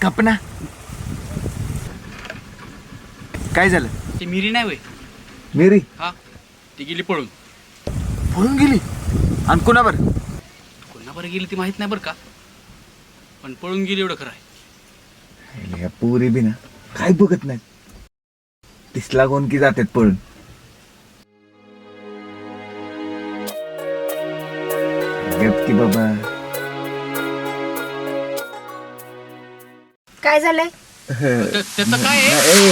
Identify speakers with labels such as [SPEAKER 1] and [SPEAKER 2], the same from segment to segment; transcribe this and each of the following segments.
[SPEAKER 1] गप ना. काय झालं?
[SPEAKER 2] ती मिरी नाही वय
[SPEAKER 1] मेरी
[SPEAKER 2] हा ती गेली पळून.
[SPEAKER 1] पळून गेली? आणि कोणावर?
[SPEAKER 2] कोणाबरोबर गेली ती माहित नाही बरं का, पण पळून गेली एवढं खरं आहे.
[SPEAKER 1] या पोरी बी ना काय बघत नाही, तिसला कोण की जातात पळून. गप की बाबा.
[SPEAKER 3] काय झालंय?
[SPEAKER 2] त्याचं काय आहे?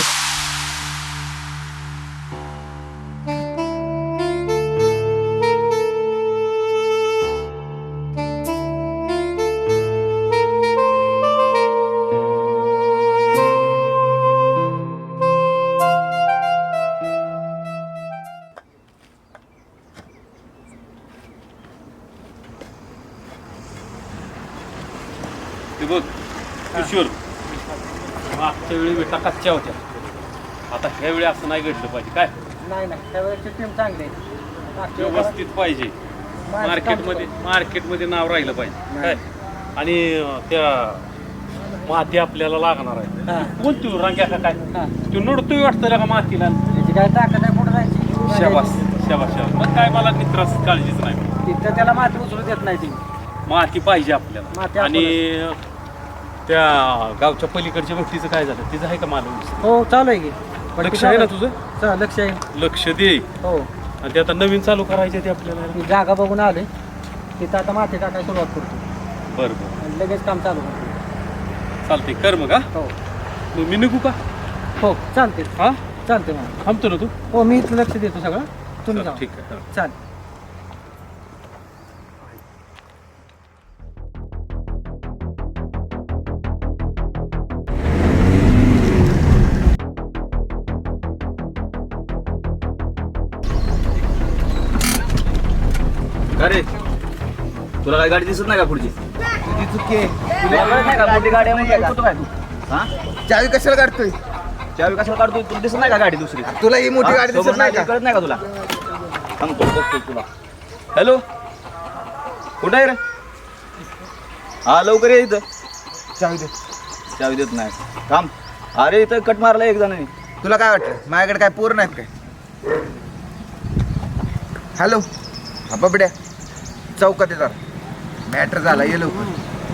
[SPEAKER 4] ते बघ किशोर, मागच्या वेळी बेटा कच्च्या होत्या, आता ह्या वेळी असं नाही घडलं पाहिजे. काय
[SPEAKER 5] नाही नाही त्यावेळेची टीम चांगली आहे.
[SPEAKER 4] व्यवस्थित पाहिजे, मार्केटमध्ये नाव राहिलं पाहिजे. काय आणि त्या माती आपल्याला लागणार आहे. कोण तू रंग्या का काय तू नडतोय वाटतं का मातीला?
[SPEAKER 5] त्याची काय ताकद आहे पुढे जायची.
[SPEAKER 4] शाबास शाबास शाबास. मग काय मला मित्रास काळजीच नाही.
[SPEAKER 5] तिथं त्याला माती उचलू देत नाही ती.
[SPEAKER 4] माती पाहिजे
[SPEAKER 5] माती
[SPEAKER 4] आपल्याला. आणि त्या गावच्या पलीकडच्या व्यक्तीचं काय झालं, तिचं आहे का मालूम?
[SPEAKER 5] हो चालू आहे की.
[SPEAKER 4] लक्ष आहे ना तुझं?
[SPEAKER 5] लक्ष आहे.
[SPEAKER 4] लक्ष दे.
[SPEAKER 5] हो
[SPEAKER 4] आणि ते आता नवीन चालू करायचे ते आपल्याला.
[SPEAKER 5] ती जागा बघून आले तिथं आता माती टाकायला सुरुवात करतो
[SPEAKER 4] बरं बरं
[SPEAKER 5] आणि लगेच काम चालू करतो.
[SPEAKER 4] चालते कर मग. हा
[SPEAKER 5] हो
[SPEAKER 4] मग मी निघू का?
[SPEAKER 5] हो चालते.
[SPEAKER 4] हा
[SPEAKER 5] चालते मग.
[SPEAKER 4] थांबतो ना तू?
[SPEAKER 5] हो मी इथं लक्ष देतो सगळं, तुम्ही जा.
[SPEAKER 4] ठीक आहे.
[SPEAKER 5] चालेल.
[SPEAKER 6] अरे तुला काय गाडी दिसत नाही का पुढची?
[SPEAKER 1] तुझी चुकी आहे.
[SPEAKER 6] तुला कळत नाही का मोठी गाडी आहे म्हणजे कुठं काय तू? हा
[SPEAKER 1] चावी कशाला काढतोय?
[SPEAKER 6] चावी कशाला काढतोय? तुला दिसत नाही का गाडी दुसरी?
[SPEAKER 1] तुला ही मोठी
[SPEAKER 6] हा?
[SPEAKER 1] गाडी
[SPEAKER 6] समोर
[SPEAKER 1] दिसत नाही का?
[SPEAKER 6] कळत नाही का तुला? सांगतो बघतोय तुला. हॅलो कुठं आहे रे? हा लवकर ये इथं.
[SPEAKER 1] चावी दे.
[SPEAKER 6] चावी देत नाही थांब. अरे इथं कट मारला एक जणांनी.
[SPEAKER 1] तुला काय वाटतं माझ्याकडे काय पोर नाहीत काय? हॅलो हा बबड्या, चौकात येतात. मॅटर झाला, ये लवकर.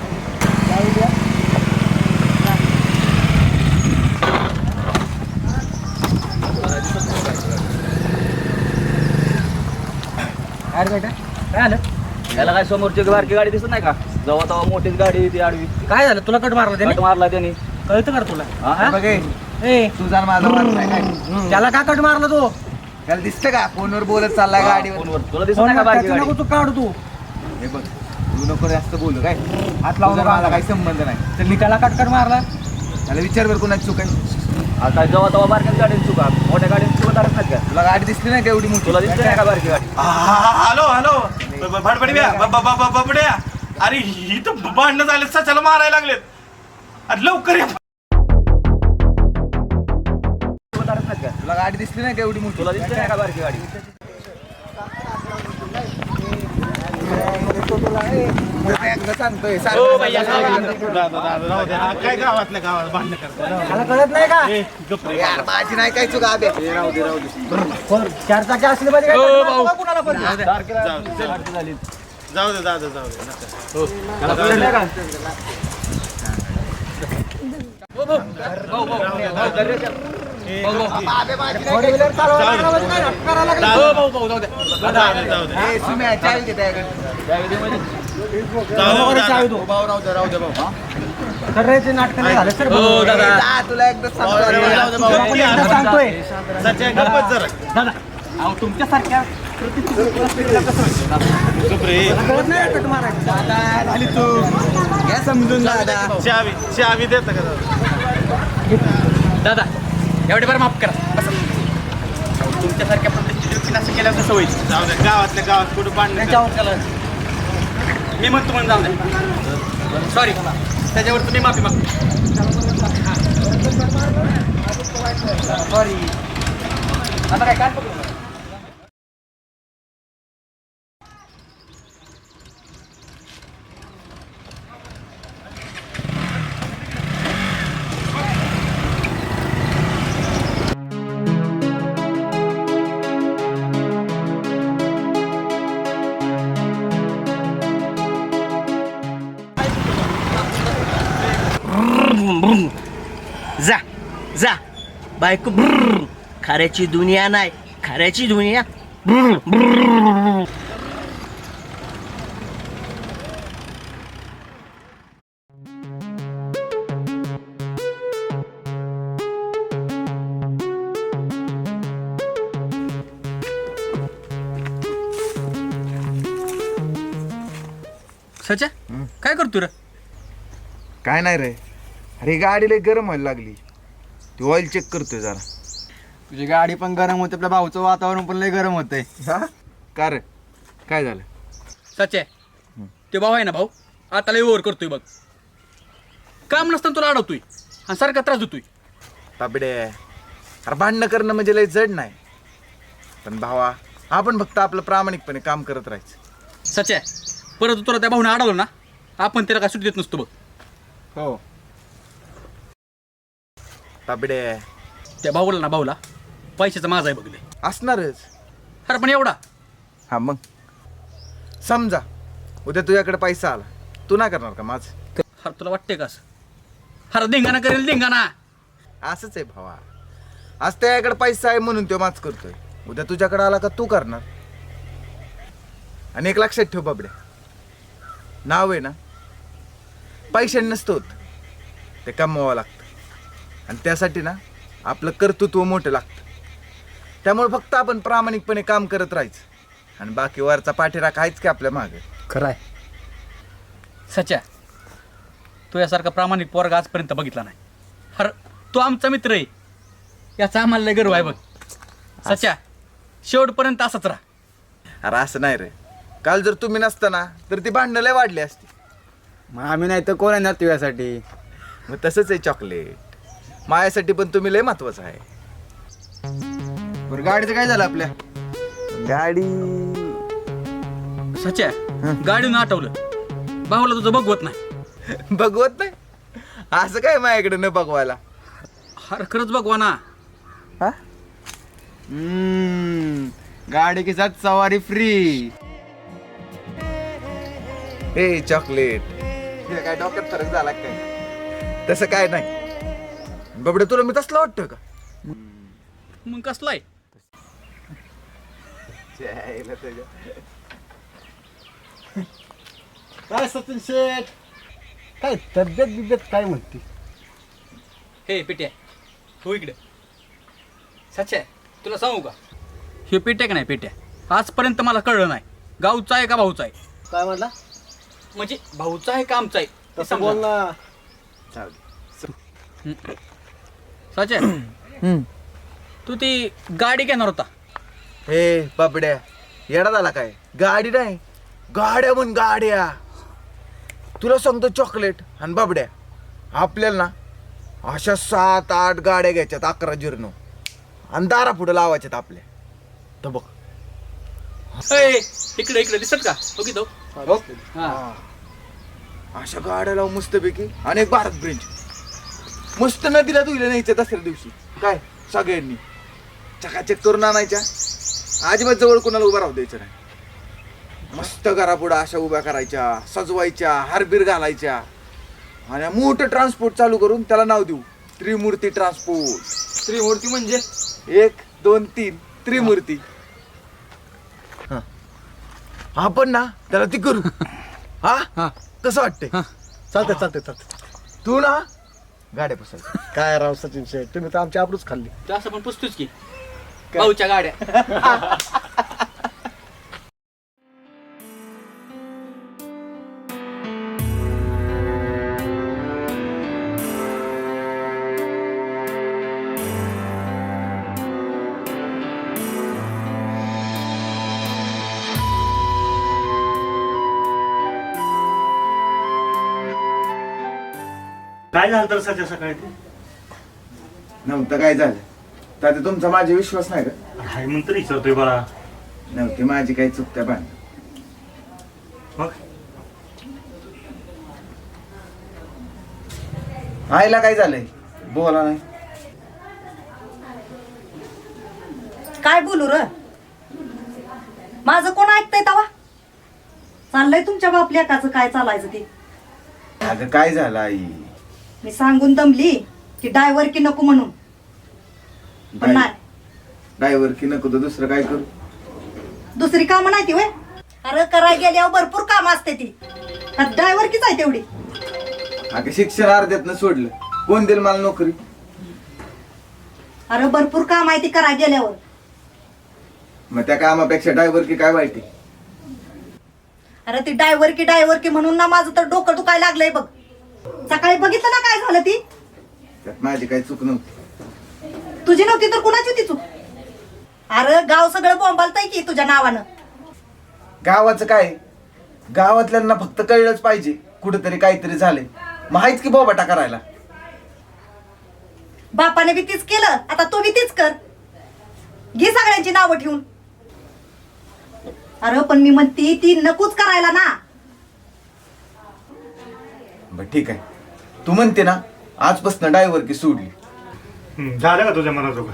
[SPEAKER 5] अरे बेटा काय झालं?
[SPEAKER 6] त्याला काय समोरची बारकी गाडी दिसत नाही का? जेव्हा तेव्हा मोठीच गाडी ती आडवी
[SPEAKER 5] काय झालं? तुला कट मारला त्याने?
[SPEAKER 6] कट मारला त्यांनी.
[SPEAKER 5] कळतं का रे तुला?
[SPEAKER 6] हा?
[SPEAKER 5] हा?
[SPEAKER 1] बघ हे,
[SPEAKER 5] ए
[SPEAKER 1] तुझा आणि माझा वाद नाही काय?
[SPEAKER 5] त्याला का कट मारला तू?
[SPEAKER 1] त्याला दिसतं का फोनवर बोलत चाललाय गाडीवर?
[SPEAKER 6] फोनवर. तुला दिसत नाही का बारकी
[SPEAKER 5] त्याचं नको
[SPEAKER 6] गाडी?
[SPEAKER 5] तू काढ तू.
[SPEAKER 1] हे बघ तू नको जास्त बोलू काय? हात लावून मला काही संबंध नाही.
[SPEAKER 5] तर मी त्याला कट मारला.
[SPEAKER 1] त्याला विचार बरं कोणाची चूक आहे.
[SPEAKER 6] आता जेव्हा तेव्हा बारक्याच गाडीने चुका, मोठ्या गाडीने चुका धरत नाहीत का?
[SPEAKER 1] तुला गाडी दिसली नाही का एवढी मोठी?
[SPEAKER 6] तुला दिसते नाही का बारकी गाडी?
[SPEAKER 7] हॅलो हॅलो भडबड्या बबड्या, अरे ही तर भांडणं झाले, सचाला मारायला लागलेत. अरे लवकर या.
[SPEAKER 6] चुका धरत नाहीत का?
[SPEAKER 1] तुला गाडी दिसली नाही का एवढी मोठी?
[SPEAKER 6] तुला दिसते नाही का बारकी गाडी?
[SPEAKER 1] एकदा सांगतोय
[SPEAKER 7] काय गावातल्या गावात भांडणं करतात?
[SPEAKER 5] त्याला कळत नाही का?
[SPEAKER 1] यार माझी नाही काय चुका अबे.
[SPEAKER 5] कोण? चार चाकी असले पाहिजे काय? कट मारतो का कुणाला पण?
[SPEAKER 6] सारखी झाली.
[SPEAKER 7] जाऊ दे नका.
[SPEAKER 6] त्याला कळत नाही का?
[SPEAKER 5] फोर व्हीलर चालवायला लागला म्हणजे काय नाटक करायला लागला?
[SPEAKER 7] जाऊ दे.
[SPEAKER 1] ए, सुम्या, चावी दे त्याकडे.
[SPEAKER 5] चावी दो. तर रे ते नाटक नाही झालं सर.
[SPEAKER 1] जा, तुला एकदा सांगतो.
[SPEAKER 5] तुला पण एकदा सांगतोय
[SPEAKER 7] सच्या गप्पच जरा.
[SPEAKER 5] दादा. अहो तुमच्यासारख्या
[SPEAKER 7] गप रे.
[SPEAKER 5] कळत नाही कट मारायचं.
[SPEAKER 1] दादा, झाली तू या समजून दादा.
[SPEAKER 7] चावी देता का दादा?
[SPEAKER 2] दादा एवढे बरं माफ करा. बसा. तुमच्यासारख्या प्रतिष्ठित असं केल्याचं सवय.
[SPEAKER 7] जाऊ दे, गावातल्या गावात कुठं भांडणं करतात?
[SPEAKER 2] मी म्हणतो म्हणून जाऊ दे. सॉरी, त्याच्यावर तुम्ही माफी मागतो.
[SPEAKER 5] सॉरी.
[SPEAKER 2] आता काय पकडू?
[SPEAKER 5] जा जा बायको ब्रुर. खऱ्याची दुनिया नाही, खऱ्याची दुनिया ब्रुर, ब्रुर.
[SPEAKER 2] सच्या काय करतो रे?
[SPEAKER 1] काय नाही रे, अरे गाडी लय गरम व्हायला लागली, ती ऑइल चेक करतोय जरा.
[SPEAKER 3] तुझी गाडी पण गरम होते, आपल्या भाऊचं वातावरण पण लय गरम होतंय.
[SPEAKER 1] हा का रे, काय झालं?
[SPEAKER 2] सच्या ते भाऊ आहे ना भाऊ, आता लय ओव्हर करतोय बघ. काम नसताना तुला अडवतोय आणि सारखा त्रास देतोय.
[SPEAKER 1] ताबडे, अरे भांडणं करणं म्हणजे लय जड नाही, पण भावा आपण फक्त आपलं प्रामाणिकपणे काम करत राहायचं.
[SPEAKER 2] सच्या परत तुला त्या भाऊने अडवलं ना, आपण त्याला काय सुट्टी देत नसतो बघ.
[SPEAKER 3] हो
[SPEAKER 1] ताबडे,
[SPEAKER 2] त्या भाऊला पैशाचा माझा आहे बघले
[SPEAKER 1] असणारच.
[SPEAKER 2] अरे पण एवढा
[SPEAKER 1] हा मग समजा उद्या तुझ्याकडे पैसा आला, तू नाही करणार का माझं?
[SPEAKER 2] अरे तुला वाटते का असं? अरे धिंगाणा करेल धिंगाणा.
[SPEAKER 1] असंच आहे भावा, आज त्याच्याकडे पैसा आहे म्हणून तो माच करतोय, उद्या तुझ्याकडे आला का तू करणार. आणि एक लक्षात ठेव बाबड्या, नाव आहे ना पैशाने नसतं होत, ते कमवावं लागतं. आणि त्यासाठी ना आपलं कर्तृत्व मोठं लागतं. त्यामुळे फक्त आपण प्रामाणिकपणे काम करत राहायचं आणि बाकी वरचा पाठीराख आहेच की आपल्या मागे.
[SPEAKER 2] खरं आहे सच्या, तू यासारखा प्रामाणिक पोरगा आजपर्यंत बघितला नाही. अरे तो आमचा मित्र आहे, याचा आम्हाला लय गर्व आहे बघ. सच्या शेवटपर्यंत असंच राहा.
[SPEAKER 1] अरे असं नाही रे, काल जर तुम्ही नसताना तर ती भांडणं लय वाढली असती.
[SPEAKER 3] मग आम्ही नाही तर कोण येणार तुझ्यासाठी?
[SPEAKER 1] मग तसंच आहे चॉकलेट, माझ्यासाठी पण तुम्ही लय महत्वाचं आहे.
[SPEAKER 3] बरं गाडीचं काय झालं आपल्या?
[SPEAKER 1] गाडी
[SPEAKER 2] सच्या गाडीनं आठवलं, भाऊला तुझं बघवत नाही.
[SPEAKER 1] बघवत नाही असं काय माझ्याकडे न बघवायला?
[SPEAKER 2] अरे खरंच बघवा ना.
[SPEAKER 1] हा
[SPEAKER 3] गाडी के साथ सवारी फ्री.
[SPEAKER 1] हे चॉकलेट, हे काय डोक्यात फरक झाला काय? तसं काय नाही बाबडे, तुला मी तसलं वाटतं का?
[SPEAKER 2] मग कसलाय?
[SPEAKER 5] काय सचिन शेठ, काय तब्येत बिब्येत काय म्हणते?
[SPEAKER 2] हे पिट्या हो इकडे. सच्या तुला सांगू का, हे पेट्या का नाही पेट्या, आजपर्यंत मला कळलं नाही गावचा आहे का भाऊचा आहे.
[SPEAKER 5] काय म्हणला?
[SPEAKER 2] म्हणजे भाऊचा आहे का आमचा आहे ते
[SPEAKER 5] तसं बोल
[SPEAKER 2] समजा.
[SPEAKER 5] ना.
[SPEAKER 2] सच्या तू ती गाडी घेणार होता.
[SPEAKER 1] हे बाबड्या, येडा झाला काय? गाडी नाही, गाड्या म्हण गाड्या. तुला सांगतो चॉकलेट आणि बाबड्या, आपल्याला ना अशा 7-8 गाड्या घ्यायच्यात, 11 जीर्ण आणि दारा पुढे लावायच्यात आपल्या. तर बघ
[SPEAKER 2] इकडे इकडे दिसत का ओके तो. हा
[SPEAKER 1] अशा गाड्या लावून मस्तपैकी. आणि एक भारत ब्रिज मस्त नदीला धुईला न्यायचं दसऱ्या दिवशी, काय सगळ्यांनी चकाचक करून आणायच्या. अजिबात जवळ कोणाला उभा राहू द्यायचं नाही. मस्त घरापुढं अशा उभ्या करायच्या, सजवायच्या, हारबीर घालायच्या आणि मोठं ट्रान्सपोर्ट चालू करून त्याला नाव देऊ त्रिमूर्ती ट्रान्सपोर्ट.
[SPEAKER 3] त्रिमूर्ती म्हणजे
[SPEAKER 1] 1, 2, 3 त्रिमूर्ती. हा, आपण ना त्याला ती करू. हा कसं वाटतंय?
[SPEAKER 5] चालतंय चालतंय चालतंय.
[SPEAKER 1] तू ना गाड्या पुसायच्या.
[SPEAKER 5] काय राव सचिन शेठ, तुम्ही तर आमची आबरूच खाल्ली.
[SPEAKER 2] जास्त पण पुसतोच की भाऊच्या गाड्या.
[SPEAKER 8] काय झालं तर सध्या सकाळी ते
[SPEAKER 1] नव्हतं काय झालं तर तुमचा माझा विश्वास नाही का?
[SPEAKER 8] हाय म्हणून तरी विचारतोय बाळा.
[SPEAKER 1] नव्हती माझी काही चुकत्या पण
[SPEAKER 8] मग
[SPEAKER 1] आईला काय झालंय? बोला नाही.
[SPEAKER 9] काय बोलू र, माझं कोण ऐकतंय तवा? चाललंय तुमच्या बाप लेकाचं काय चालायचं ते.
[SPEAKER 1] अगं काय झालं आई?
[SPEAKER 9] मी सांगून दमली की डायव्हर की नको म्हणून, पण नाही.
[SPEAKER 1] ड्रायव्हर की नको तर दुसरं काय करू?
[SPEAKER 9] दुसरी कामं नाही ती वय. अरे करायला गेल्यावर भरपूर काम असते ती. ड्रायव्हर कीच आहे तेवढी.
[SPEAKER 1] अगं शिक्षण अर्ध्यातनं सोडलं, कोण देईल मला नोकरी?
[SPEAKER 9] अरे भरपूर काम आहे ती करायला गेल्यावर.
[SPEAKER 1] मग त्या कामापेक्षा ड्रायव्हर की काय वाईट आहे?
[SPEAKER 9] अरे ती डायव्हर की म्हणून ना माझं तर डोकं दुखायला लागलंय बघ. सकाळी बघितलं ना काय झालं ती.
[SPEAKER 1] त्यात माझी काही चूक नव्हती.
[SPEAKER 9] तुझी नव्हती तर कुणाची होती चूक? अरे गाव सगळं बोंबालतंय की तुझ्या नावानं.
[SPEAKER 1] गावाचं काय, गावातल्यांना फक्त कळलंच पाहिजे कुठेतरी काहीतरी झालंय, माहित की बोबाटा करायला.
[SPEAKER 9] बापाने बी तीच केलं, आता तू बी तीच कर. घे सगळ्यांची नावं ठेवून. अरे पण मी म्हणते ती नकोच करायला ना.
[SPEAKER 1] बर ठीक आहे, तू म्हणते ना आजपासून ड्रायव्हर की सोडली.
[SPEAKER 8] झालं का तुझ्या मनाजोगा?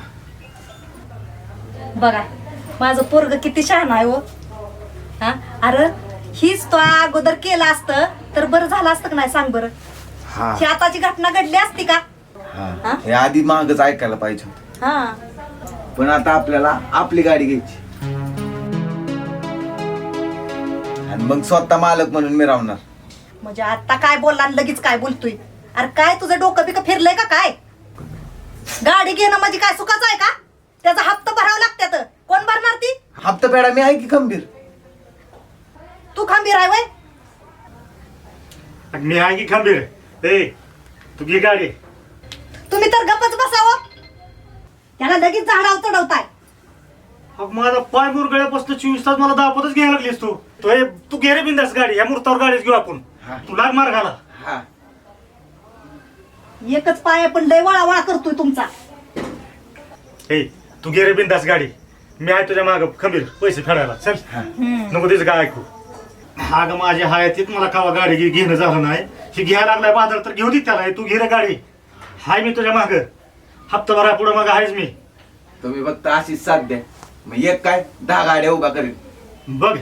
[SPEAKER 9] बघा माझं पोरग किती छान आहे हो. हा अरे हीच तो अगोदर केलं असतं तर बरं झालं असतं का नाही सांग बरं.
[SPEAKER 1] हा
[SPEAKER 9] ही आताची घटना घडली असती का?
[SPEAKER 1] हा, हे आधी मागच ऐकायला पाहिजे होतं.
[SPEAKER 9] हा
[SPEAKER 1] पण आता आपल्याला आपली गाडी घ्यायची आणि मग स्वतः मालक म्हणून मी राहणार.
[SPEAKER 9] म्हणजे आता काय बोलला आणि लगेच काय बोलतोय? अरे काय तुझं डोकं बिकं फिरलंय का काय? गाडी घेणं म्हणजे काय सुखाचं आहे का? त्याचा हप्ता भरावा लागतात. कोण भरणार ती?
[SPEAKER 1] हप्ता पेडा मी आहे की खंबीर.
[SPEAKER 9] तू खंबीर आहे वय?
[SPEAKER 8] मी आहे की खंबीर. ए तू घे गाडी.
[SPEAKER 9] तुम्ही तर गप्पच बसावं. त्याला लगेच झाडावर चढवताय.
[SPEAKER 8] अग माझा पाय मुरगळ्यापासून 24 तास मला दापतच घ्यायला लागलीस तू. तू घे रे बिंदास गाडी. या मुहूर्तावर गाडीच घेऊ आपण.
[SPEAKER 1] हा.
[SPEAKER 8] तू लाग मार घाला.
[SPEAKER 1] हा
[SPEAKER 9] एकच पाय पण लय वळा करतोय तुमचा.
[SPEAKER 8] ए तू घे रे बिंदास गाडी. मी आहे तुझ्या माग खंबीर पैसे फेडायला. चल नको तिचं काय ऐकू. हा ग माझ्या हयातीत मला कावा गाडी घेणं झालं नाही. ही घ्यायला लागलाय बाजार तर घेऊ दे त्याला. तू घे रे गाडी. हाय मी तुझ्या माग. हप्ता भरा पुढे मग आहेच मी.
[SPEAKER 1] तुम्ही फक्त अशीच साथ द्या, मग एक काय 10 गाड्या उभा करेल.
[SPEAKER 8] बघ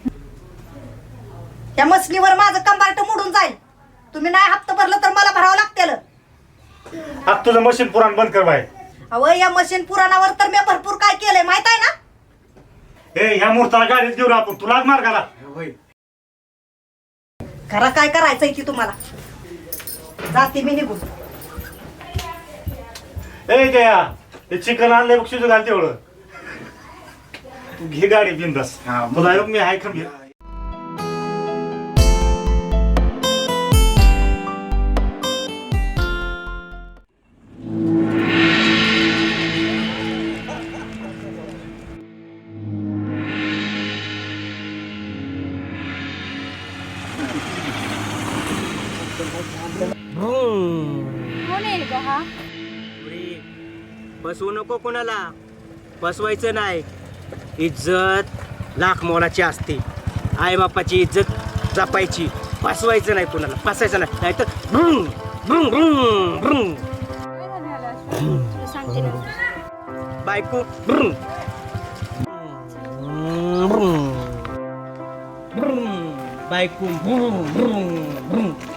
[SPEAKER 9] त्या मसलीवर माझं कंबार्ट मोडून जाईल. तुम्ही नाही हप्ता भरलं तर मला भरावं लागतेल.
[SPEAKER 8] आता तुझं मशीन पुराण बंद कर बाय.
[SPEAKER 9] अहो या मशीन पुराणावर तर मी भरपूर काय केलंय माहित आहे ना.
[SPEAKER 8] ए ह्या मुहूर्ताला गाडीच घेऊ आपण. तुला मार घाला.
[SPEAKER 1] होय.
[SPEAKER 9] खरा काय करायचंय की तुम्हाला. जाते मी निघून.
[SPEAKER 8] ए त्या ते चिकन आणलंय बघ शिजू घाल तेवढं. तू घे गाडी बिंदास.
[SPEAKER 1] हा,
[SPEAKER 8] तुला योग मी आहे खंबीर.
[SPEAKER 10] कोण आहे ग हा?
[SPEAKER 5] बसवू नको कोणाला. बसवायचं नाही. इज्जत लाख मोलाची असते. आई बापाची इज्जत जपायची. फसवायचं नाही कोणाला. फसायचं नाही. नाहीतर भ्रुंग भ्रुंग भ्रुंग भ्रुंग.
[SPEAKER 10] काय झालं असं? तुला सांगते ना.
[SPEAKER 5] बायको भ्रुंग भ्रुंग भ्रुंग. बायको भ्रुंग भ्रुंग भ्रुंग.